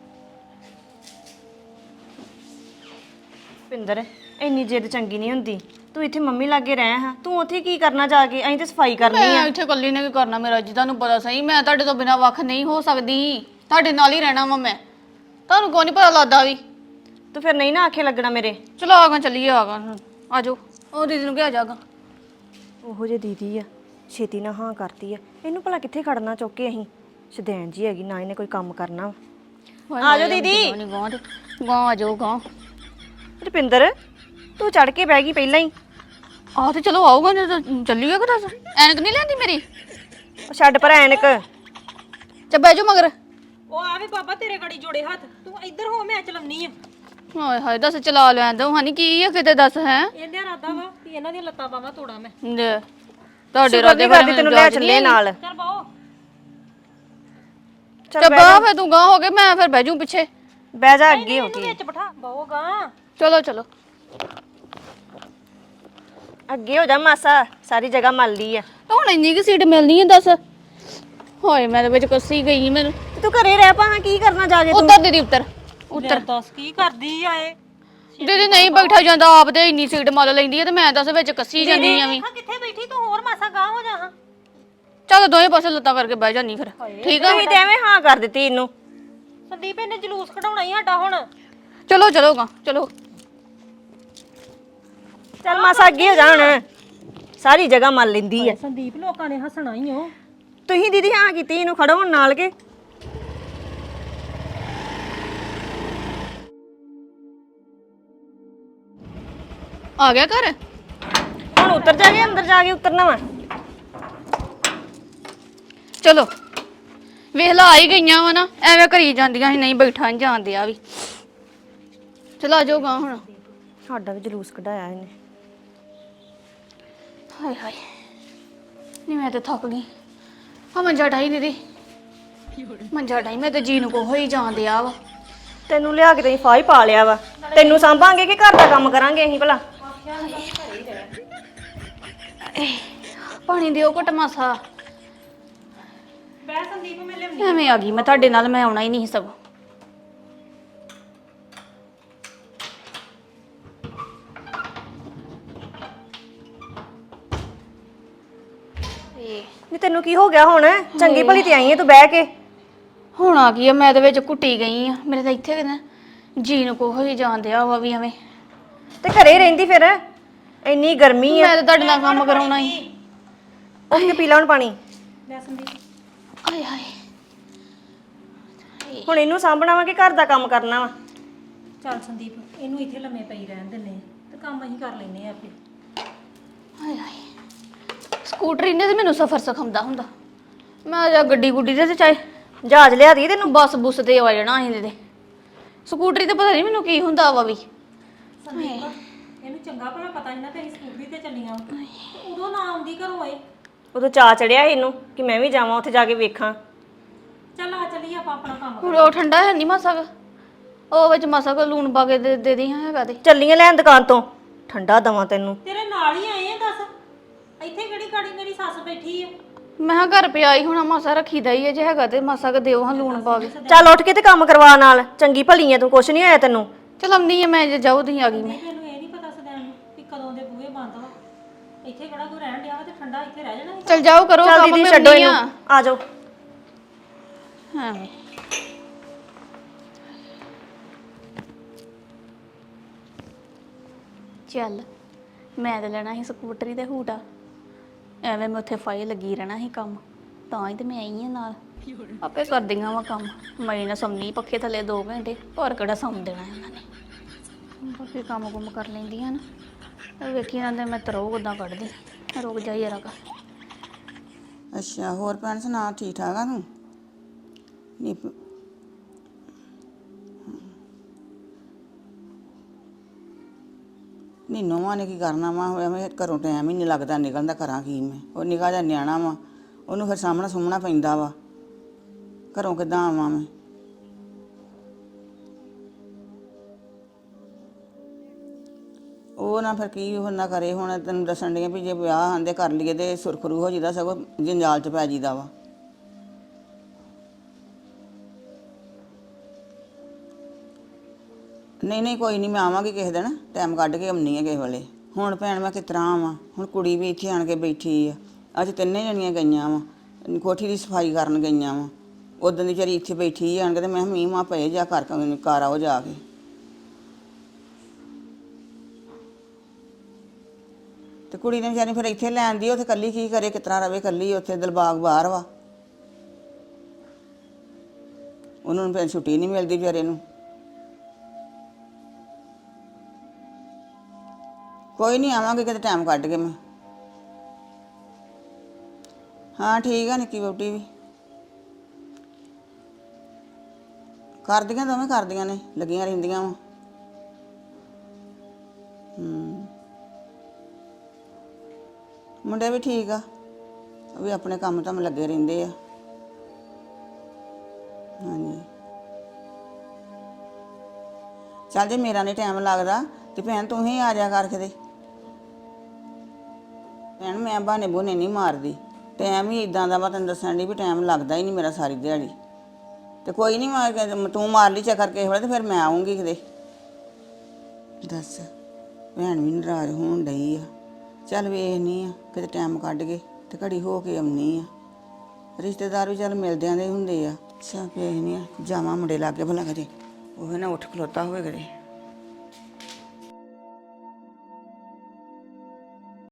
[SPEAKER 1] ਰੁਪਿੰਦਰ ਇੰਨੀ ਜਿੱਦ ਚੰਗੀ ਨਹੀਂ ਹੁੰਦੀ, ਤੂੰ ਇੱਥੇ ਮੰਮੀ ਲਾਗੇ ਰਹਿ ਹਾਂ, ਤੂੰ ਉੱਥੇ ਕੀ ਕਰਨਾ ਜਾ ਕੇ? ਅਸੀਂ ਤੇ ਸਫਾਈ ਕਰਨੀ ਆ।
[SPEAKER 2] ਮੈਂ ਇੱਥੇ ਇਕੱਲੀ ਨੇ ਕੀ ਕਰਨਾ? ਮੇਰਾ ਜੀ ਤੁਹਾਨੂੰ ਪਤਾ ਸਹੀ, ਮੈਂ ਤੁਹਾਡੇ ਤੋਂ ਬਿਨਾਂ ਵੱਖ ਨਹੀਂ ਹੋ ਸਕਦੀ, ਤੁਹਾਡੇ ਨਾਲ ਹੀ ਰਹਿਣਾ ਵਾ ਮੈਂ। ਤੁਹਾਨੂੰ ਕੋਈ ਨਹੀਂ ਪਤਾ ਲੱਗਦਾ ਵੀ।
[SPEAKER 1] ਤੂੰ ਫਿਰ ਨਹੀਂ ਨਾ ਆਖੇ ਲੱਗਣਾ ਮੇਰੇ।
[SPEAKER 2] ਚਲੋ ਆਗਾ ਚੱਲੀਏ, ਆਗਾ ਆ ਜਾਓ। ਉਹ ਦੀਦੀ ਨੂੰ ਕਿਹਾ ਜਾਗਾ।
[SPEAKER 1] ਉਹੋ ਜੇ ਦੀਦੀ ਆ, ਛੇਤੀ ਨਾ ਹਾਂ ਕਰਦੀ ਆ, ਇਹਨੂੰ ਭਲਾ ਕਿੱਥੇ ਖੜਨਾ ਚੁੱਕ ਕੇ? ਅਸੀਂ ਸ਼ਦੈਣ ਜੀ ਹੈਗੀ ਨਾ, ਇਹਨੇ ਕੋਈ ਕੰਮ ਕਰਨਾ। ਆ ਜਾਓ ਦੀਦੀ।
[SPEAKER 2] ਗਾਂ ਆ ਜਾਓ ਗਾਂ।
[SPEAKER 1] ਰੁਪਿੰਦਰ ਤੂੰ ਚੜ ਕੇ ਬਹਿ ਗਈ ਪਹਿਲਾਂ ਹੀ।
[SPEAKER 2] ਆਹ ਤੇ ਚਲੋ ਆਊਗਾ, ਚੱਲੀਏ ਕਿ ਦੱਸ। ਐਨਕ ਨਹੀਂ ਲੈਂਦੀ ਮੇਰੀ?
[SPEAKER 1] ਉਹ ਛੱਡ ਪਰ ਐਨਕ।
[SPEAKER 2] ਚੱਲ ਬਹਿ ਜਾਓ ਮਗਰ।
[SPEAKER 4] ਉਹ ਆਵੇ ਬਾਬਾ ਤੇਰੇ ਗੜੀ ਜੋੜੇ ਹੱਥ, ਤੂੰ ਇੱਧਰ ਹੋ, ਮੈਂ ਚਲਾਉਣੀ ਆ।
[SPEAKER 2] ਹਾਏ ਹਾਏ ਦੱਸ, ਚਲਾ ਲੈਣ ਦੋ ਹਾਨੀ, ਕੀ ਆ ਕਿਤੇ ਦੱਸ। ਹੈ
[SPEAKER 4] ਇਹਨੇ ਇਰਾਦਾ ਵਾ ਵੀ ਇਹਨਾਂ ਦੀਆਂ ਲੱਤਾਂ ਬਾਹਾਂ ਤੋੜਾਂ ਮੈਂ।
[SPEAKER 2] ਤੁਹਾਡੇ
[SPEAKER 1] ਰਾਦੇ ਕਰਦੀ ਤੈਨੂੰ ਲੈ ਚੱਲੇ ਨਾਲ।
[SPEAKER 4] ਚੱਲ ਬਾਓ।
[SPEAKER 2] ਚੱਲ ਬਾਹ ਫੇ ਤੂੰ ਗਾਂ ਹੋ ਕੇ, ਮੈਂ ਫਿਰ ਬਹਿ ਜੂ ਪਿੱਛੇ।
[SPEAKER 1] ਬਹਿ ਜਾ ਅੱਗੇ ਹੋ ਕੇ।
[SPEAKER 4] ਵਿੱਚ ਬਿਠਾ ਬਾਓਗਾ।
[SPEAKER 2] ਚਲੋ ਚਲੋ
[SPEAKER 1] ਅੱਗੇ ਹੋ ਜਾ ਮਾਸਾ, ਸਾਰੀ ਜਗ੍ਹਾ ਮੱਲ ਲਈ ਆ।
[SPEAKER 2] ਹੁਣ ਇੰਨੀ ਕਿ ਸੀਟ ਮਿਲਣੀ ਹੈ ਦੱਸ। ਹੋਏ ਮੈਂ ਤਾਂ ਵਿੱਚ ਕੱਸੀ ਗਈ ਮੈਨੂੰ।
[SPEAKER 1] ਤੂੰ ਘਰੇ ਰਹਿ ਪਾ, ਕੀ ਕਰਨਾ ਜਾ ਕੇ ਤੂੰ?
[SPEAKER 2] ਉੱਤਰ ਦੀਦੀ ਉੱਤਰ ਉੱਤਰ।
[SPEAKER 4] ਦੱਸ ਕੀ ਕਰਦੀ ਆ ਇਹ?
[SPEAKER 2] ਦੀਦੀ ਨਹੀਂ ਬੈਠਾ ਜਾਂਦਾ, ਆਪ ਤੇ ਇੰਨੀ ਸੀਟ ਮੱਲ ਲੈਂਦੀ ਹੈ ਤੇ ਮੈਂ ਦੱਸ ਵਿੱਚ ਕੱਸੀ ਜਾਂਦੀ ਆ ਵੀ।
[SPEAKER 4] ਕਿੱਥੇ ਬੈਠੀ ਤੂੰ? ਹੋਰ ਮਾਸਾ ਗਾਂ ਹੋ ਜਾ ਹਾਂ।
[SPEAKER 2] ਚੱਲ ਦੋਵੇਂ ਪਾਸੇ ਲੱਤਾਂ ਕਰਕੇ ਬਹਿ ਜਾਨੀ ਫਿਰ। ਠੀਕ ਆ
[SPEAKER 1] ਤੁਸੀਂ ਤੇ ਐਵੇਂ ਹਾਂ ਕਰ ਦਿੱਤੀ ਇਹਨੂੰ।
[SPEAKER 4] ਸੰਦੀਪ ਇਹਨੇ ਜਲੂਸ ਕਢਾਉਣਾ ਹੀ ਸਾਡਾ ਹੁਣ।
[SPEAKER 2] ਚਲੋ ਚਲੋ ਗਾ ਚਲੋ।
[SPEAKER 1] ਚੱਲ ਮਾਸਾ ਅੱਗੇ ਹੋ ਜਾ ਹੁਣ, ਸਾਰੀ ਜਗ੍ਹਾ ਮੱਲ ਲੈਂਦੀ ਆ।
[SPEAKER 4] ਸੰਦੀਪ ਲੋਕਾਂ ਨੇ ਹੱਸਣਾ ਹੀ ਹੋ।
[SPEAKER 1] ਤੁਸੀਂ ਦੀਦੀ ਹਾਂ ਕੀਤੀ, ਇਹਨੂੰ ਖੜੋ ਹੁਣ ਨਾਲ ਕੇ।
[SPEAKER 2] ਆ ਗਿਆ ਘਰ।
[SPEAKER 1] ਹੁਣ ਉੱਤਰ ਜਾ ਕੇ, ਅੰਦਰ ਜਾ ਕੇ ਉਤਰਨਾ ਵਾ।
[SPEAKER 2] ਚਲੋ ਵੇਖ ਲਾ ਆ ਹੀ ਗਈਆਂ ਵਾ ਨਾ, ਐਵੇਂ ਕਰੀ ਜਾਂਦੀਆਂ ਸੀ, ਨਹੀਂ ਬੈਠਾ ਨਹੀਂ ਜਾਂਦੇ ਆ ਵੀ। ਚਲ ਆ ਜਾਓਗਾ ਹੁਣ।
[SPEAKER 1] ਸਾਡਾ ਵੀ ਜਲੂਸ ਕਢਾਇਆ ਇਹਨੇ।
[SPEAKER 2] ਹਾਏ ਹਾਏ ਨਹੀਂ ਮੈਂ ਤੇ ਥੱਕ ਗਈ। ਹਾਂ ਮੰਜਾ ਢਾਈ ਦੀਦੀ, ਮੰਜਾ ਢਾਈ, ਮੈਂ ਤੇ ਜੀ ਨੂੰ ਕੋਹ ਹੀ ਜਾਂਦੇ ਆ ਵਾ।
[SPEAKER 1] ਤੈਨੂੰ ਲਿਆ ਕੇ ਤੈਨੂੰ ਫਾਹ ਹੀ ਪਾ ਲਿਆ ਵਾ। ਤੈਨੂੰ ਸਾਂਭਾਂਗੇ ਕਿ ਘਰ ਦਾ ਕੰਮ ਕਰਾਂਗੇ ਅਸੀਂ ਭਲਾ?
[SPEAKER 2] ਪਾਣੀ ਦਿਓ ਘਟ ਮਾਸਾ। ਐਵੇਂ ਆ ਗਈ ਮੈਂ ਤੁਹਾਡੇ ਨਾਲ, ਮੈਂ ਆਉਣਾ ਹੀ ਨਹੀਂ ਸਗੋਂ।
[SPEAKER 1] ਨਹੀਂ ਤੈਨੂੰ ਕੀ ਹੋ ਗਿਆ ਹੁਣ? ਚੰਗੀ ਭਲੀ ਤੇ ਆਈ ਹੈ ਤੂੰ ਬਹਿ ਕੇ।
[SPEAKER 2] ਹੁਣ ਆ ਗਈ ਆ, ਮੈਂ ਤੇ ਵਿੱਚ ਕੁੱਟੀ ਗਈ ਆ। ਮੇਰੇ ਤਾਂ ਇੱਥੇ ਕਿਤੇ ਜੀ ਨੂੰ ਕੋਹ ਹੀ ਜਾਂਦੇ ਆ ਵਾ ਵੀ ਐਵੇਂ।
[SPEAKER 1] ਤੇ ਘਰੇ ਹੀ ਰਹਿੰਦੀ ਫਿਰ, ਇੰਨੀ ਗਰਮੀ ਆ।
[SPEAKER 2] ਮੈਂ ਤਾਂ ਤੁਹਾਡੇ ਨਾਲ ਕੰਮ ਕਰਾਉਣਾ ਹੀ।
[SPEAKER 1] ਉੱਠ ਕੇ ਪੀ ਲਾ ਹੁਣ ਪਾਣੀ।
[SPEAKER 2] ਹਾਏ ਹਾਏ
[SPEAKER 1] ਹੁਣ ਇਹਨੂੰ ਸਾਂਭਣਾ ਵਾ ਕਿ ਘਰ ਦਾ ਕੰਮ ਕਰਨਾ ਵਾ?
[SPEAKER 4] ਚੱਲ ਸੰਦੀਪ, ਇਹਨੂੰ ਇੱਥੇ ਲੰਮੇ ਪਈ ਰਹਿਣ ਦਿੰਨੇ ਆ ਤੇ ਕੰਮ ਅਸੀਂ ਕਰ ਲੈਨੇ ਆ ਆਪੇ।
[SPEAKER 2] ਹਾਏ ਹਾਏ ਸਕੂਟਰੀ ਨੇ ਤੇ ਮੈਨੂੰ ਸਫ਼ਰ ਸਿਖਾਉਂਦਾ ਹੁੰਦਾ। ਮੈਂ ਜਾਂ ਗੱਡੀ ਗੁੱਡੀ ਦੇ ਤੇ ਚਾਹੇ
[SPEAKER 1] ਜਹਾਜ਼ ਲਿਆ ਦੀ ਤੈਨੂੰ।
[SPEAKER 2] ਬੱਸ ਬੁੱਸ ਤੇ ਆ ਜਾਣਾ ਅਸੀਂ ਤੇ। ਸਕੂਟਰੀ ਤੇ ਪਤਾ ਨਹੀਂ ਮੈਨੂੰ ਕੀ ਹੁੰਦਾ ਵਾ ਵੀ।
[SPEAKER 4] ਸੰਦੀਪ, ਇਹਨੂੰ ਚੰਗਾ ਭਲਾ ਪਤਾ ਸੀ ਨਾ ਤੇ ਅਸੀਂ ਸਕੂਟਰੀ ਤੇ ਚੱਲੀਆਂ ਵਾਂ। ਤੇ ਉਦੋਂ ਨਾ ਆਉਂਦੀ ਘਰੋਂ ਇਹ।
[SPEAKER 1] ਉਦੋਂ ਚਾਅ ਚੜਿਆ ਸੀ ਇਹਨੂੰ ਕਿ ਮੈਂ ਵੀ ਜਾਵਾਂ ਉੱਥੇ ਜਾ ਕੇ ਵੇਖਾਂ।
[SPEAKER 4] ਚੱਲ ਆ ਚੱਲੀਏ ਆਪਾਂ ਆਪਣਾ ਕੰਮ।
[SPEAKER 2] ਹੁਣ ਉਹ ਠੰਡਾ ਹੈ ਨਹੀਂ ਮਾਸਾ ਕੁ। ਉਹ ਵਿੱਚ ਮਾਸਾ ਕੋ ਲੂਣ ਪਾ ਕੇ ਦੇ ਦੀ ਹੈਗਾ ਤੇ।
[SPEAKER 1] ਚੱਲੀਆਂ ਲੈਣ ਦੁਕਾਨ ਤੋਂ, ਠੰਡਾ ਦਵਾਂ ਤੈਨੂੰ।
[SPEAKER 4] ਤੇਰੇ ਨਾਲ ਹੀ ਆਏ ਆ, ਦੱਸ ਇੱਥੇ ਕਿਹੜੀ ਗਾੜੀ ਮੇਰੀ ਸੱਸ ਬੈਠੀ ਆ।
[SPEAKER 2] ਮੈਂ ਕਿਹਾ ਘਰ ਪਿਆ ਹੀ ਹੋਣਾ, ਮਾਸਾ ਰੱਖੀਦਾ ਹੀ ਹੈ, ਜੇ ਹੈਗਾ ਤੇ ਮਾਸਾ ਕ ਦਿਓ ਹਾਂ ਲੂਣ ਪਾ ਕੇ।
[SPEAKER 1] ਚੱਲ ਉੱਠ ਕੇ ਤੇ ਕੰਮ ਕਰਵਾ ਨਾਲ। ਚੰਗੀ ਭਲੀ ਆ ਤੂੰ, ਕੁਛ ਨਹੀਂ ਹੋਇਆ ਤੈਨੂੰ।
[SPEAKER 2] ਚਲ ਆਉਂਦੀ ਆ ਮੈਂ, ਜੇ ਜਾਊ ਤੁਸੀਂ ਆ ਗਈ ਮੈਂ।
[SPEAKER 4] ਤੈਨੂੰ ਇਹ ਨਹੀਂ ਪਤਾ ਸਦੈਣ ਨੂੰ ਕਿ ਕਦੋਂ ਦੇ ਬੂਹੇ ਬੰਦ ਵਾ। ਇੱਥੇ ਕਿਹੜਾ ਕੋਈ ਰਹਿਣ ਡਿਆ ਵਾ ਤੇ ਠੰਡਾ ਇੱਥੇ ਰਹਿ ਜਾਣਾ ਸੀ।
[SPEAKER 2] ਚਲ ਜਾਓ ਕਰੋ
[SPEAKER 1] ਚੱਲ
[SPEAKER 2] ਕੰਮ,
[SPEAKER 1] ਦੀਦੀ
[SPEAKER 2] ਮੈਂ
[SPEAKER 1] ਛੱਡੋ
[SPEAKER 2] ਆਉਂਦੀ
[SPEAKER 1] ਇਹਨੂੰ, ਆ ਜਾਓ।
[SPEAKER 2] ਹਾਂ ਚੱਲ ਮੈਂ ਤੇ ਲੈਣਾ ਸੀ ਸਕੂਟਰੀ ਤੇ ਹੂਟਾ। ਐਵੇਂ ਮੈਂ ਉੱਥੇ ਫਾਈ ਲੱਗੀ ਰਹਿਣਾ ਸੀ ਕੰਮ, ਤਾਂ ਹੀ ਤੇ ਮੈਂ ਆਈ ਆ ਨਾਲ। ਆਪੇ ਕਰਦੀਆਂ ਵਾ ਕੰਮ। ਮੈਂ ਨਾ ਸੌਂਦੀ ਪੱਖੇ ਥੱਲੇ 2 ਘੰਟੇ, ਪਰ ਕਿਹੜਾ ਸੌਂ ਦੇਣਾ ਉਹਨਾਂ ਨੇ। ਬਾਕੀ ਕੰਮ ਕੁਮ ਕਰ ਲੈਂਦੀਆਂ ਨਾ। ਵੇਖੀ ਜਾਂਦੇ ਮੈਂ ਤਰੋ ਉਦਾਂ ਕੱਢਦੀ। ਰੁਕ ਜਾ ਯਾਰਾ ਕਾ।
[SPEAKER 7] ਅੱਛਾ, ਹੋਰ ਭੈਣ ਸੁਣਾ, ਠੀਕ ਠਾਕ ਆ ਤੂੰ? ਨੀ ਨੀ ਨੋਵਾਂ ਨੇ ਕੀ ਕਰਨਾ ਵਾ? ਐਵੇਂ ਘਰੋਂ ਟਾਈਮ ਹੀ ਨਹੀਂ ਲੱਗਦਾ ਨਿਕਲਣ ਦਾ। ਕਰਾਂ ਕੀ ਮੈਂ? ਉਹ ਨਿੱਕਾ ਜਿਹਾ ਨਿਆਣਾ ਵਾ, ਉਹਨੂੰ ਫਿਰ ਸਾਹਮਣਾ ਸੁਹਮਣਾ ਪੈਂਦਾ ਵਾ। ਘਰੋਂ ਕਿੱਦਾਂ ਆਵਾਂ ਮੈਂ? ਉਹ ਨਾ ਫਿਰ ਕੀ ਉਹ ਨਾ ਕਰੇ। ਹੁਣ ਤੈਨੂੰ ਦੱਸਣ ਡਈ ਵੀ ਜੇ ਵਿਆਹ ਆਂਦੇ ਕਰ ਲਈਏ ਤੇ ਸੁਰਖਰੂ ਹੋ ਜਾਂਦਾ, ਸਗੋਂ ਜੰਜਾਲ 'ਚ ਪੈ ਜੀਦਾ ਵਾ। ਨਹੀਂ ਨਹੀਂ ਕੋਈ ਨਹੀਂ, ਮੈਂ ਆਵਾਂਗੀ ਕਿਸੇ ਦਿਨ, ਟਾਈਮ ਕੱਢ ਕੇ ਆਉਣੀ ਆ ਕਿਸੇ ਵੇਲੇ। ਹੁਣ ਭੈਣ ਮੈਂ ਕਿਸ ਤਰ੍ਹਾਂ ਆਵਾਂ? ਹੁਣ ਕੁੜੀ ਵੀ ਇੱਥੇ ਆਣ ਕੇ ਬੈਠੀ ਆ। ਅੱਜ 3 ਜਣੀਆਂ ਗਈਆਂ ਵਾ, ਕੋਠੀ ਦੀ ਸਫਾਈ ਕਰਨ ਗਈਆਂ ਵਾ। ਉਦੋਂ ਦੀ ਵਿਚਾਰੀ ਇੱਥੇ ਬੈਠੀ ਆਣ ਕੇ ਤੇ ਮੈਂ ਕਿਹਾ ਮੀਂਹ ਮਾਂ ਪਏ ਜਾ ਕਰ ਆਓ ਜਾ ਕੇ। ਤੇ ਕੁੜੀ ਨੇ ਵਿਚਾਰੀ ਫਿਰ ਇੱਥੇ ਲੈਣ ਦੀ, ਉੱਥੇ ਇਕੱਲੀ ਕੀ ਕਰੇ? ਕਿਸ ਤਰ੍ਹਾਂ ਰਵੇ ਇਕੱਲੀ? ਉੱਥੇ ਦਿਲਬਾਗ ਬਾਹਰ ਵਾ, ਉਹਨੂੰ ਫਿਰ ਛੁੱਟੀ ਨਹੀਂ ਮਿਲਦੀ ਵਿਚਾਰੇ ਨੂੰ। ਕੋਈ ਨਹੀਂ, ਆਵਾਂਗੇ ਕਿਤੇ ਟਾਈਮ ਕੱਢ ਕੇ ਮੈਂ। ਹਾਂ ਠੀਕ ਆ, ਨਿੱਕੀ ਵਹੁਟੀ ਵੀ ਕਰਦੀਆਂ, ਦੋਵੇਂ ਕਰਦੀਆਂ ਨੇ, ਲੱਗੀਆਂ ਰਹਿੰਦੀਆਂ ਵਾ। ਮੁੰਡੇ ਵੀ ਠੀਕ ਆ, ਉਹ ਵੀ ਆਪਣੇ ਕੰਮ ਤਾਂ ਲੱਗੇ ਰਹਿੰਦੇ ਆ। ਹਾਂਜੀ ਚੱਲ, ਜੇ ਮੇਰਾ ਨਹੀਂ ਟਾਈਮ ਲੱਗਦਾ ਤੇ ਭੈਣ ਤੂੰ ਹੀ ਆ ਜਾ ਕਰ ਕਿਤੇ। ਭੈਣ ਮੈਂ ਬਹਾਨੇ ਬਹੂਨੇ ਨਹੀਂ ਮਾਰਦੀ, ਟਾਈਮ ਹੀ ਇਦਾਂ ਦਾ ਵਾ, ਤੈਨੂੰ ਦੱਸਣ ਦੀ ਵੀ ਟਾਈਮ ਲੱਗਦਾ ਹੀ ਨਹੀਂ ਮੇਰਾ ਸਾਰੀ ਦਿਹਾੜੀ। ਤੇ ਕੋਈ ਨਹੀਂ, ਤੂੰ ਮਾਰ ਲਈ ਚੱਕਰ ਕਿਸੇ ਵੇਲੇ ਤੇ ਫਿਰ ਮੈਂ ਆਉਂਗੀ ਕਿਤੇ। ਦੱਸ, ਭੈਣ ਵੀ ਨਾਰਾਜ਼ ਹੋਣ ਡਈ ਆ। ਚੱਲ ਵੇਖਨੀ ਆ ਕਿਤੇ ਟਾਈਮ ਕੱਢ ਕੇ ਤੇ ਘੜੀ ਹੋ ਕੇ ਆਉਣੀ ਆ। ਰਿਸ਼ਤੇਦਾਰ ਵੀ ਚੱਲ ਮਿਲਦਿਆਂ ਦੇ ਹੁੰਦੇ ਆ। ਅੱਛਾ ਵੇਖਨੀ ਆ, ਜਾਵਾਂ ਮੁੰਡੇ ਲਾਗੇ ਭਲਾ ਕਰੇ ਉਹ ਨਾ ਉੱਠ ਖਲੋਤਾ ਹੋਵੇ ਕਰੇ।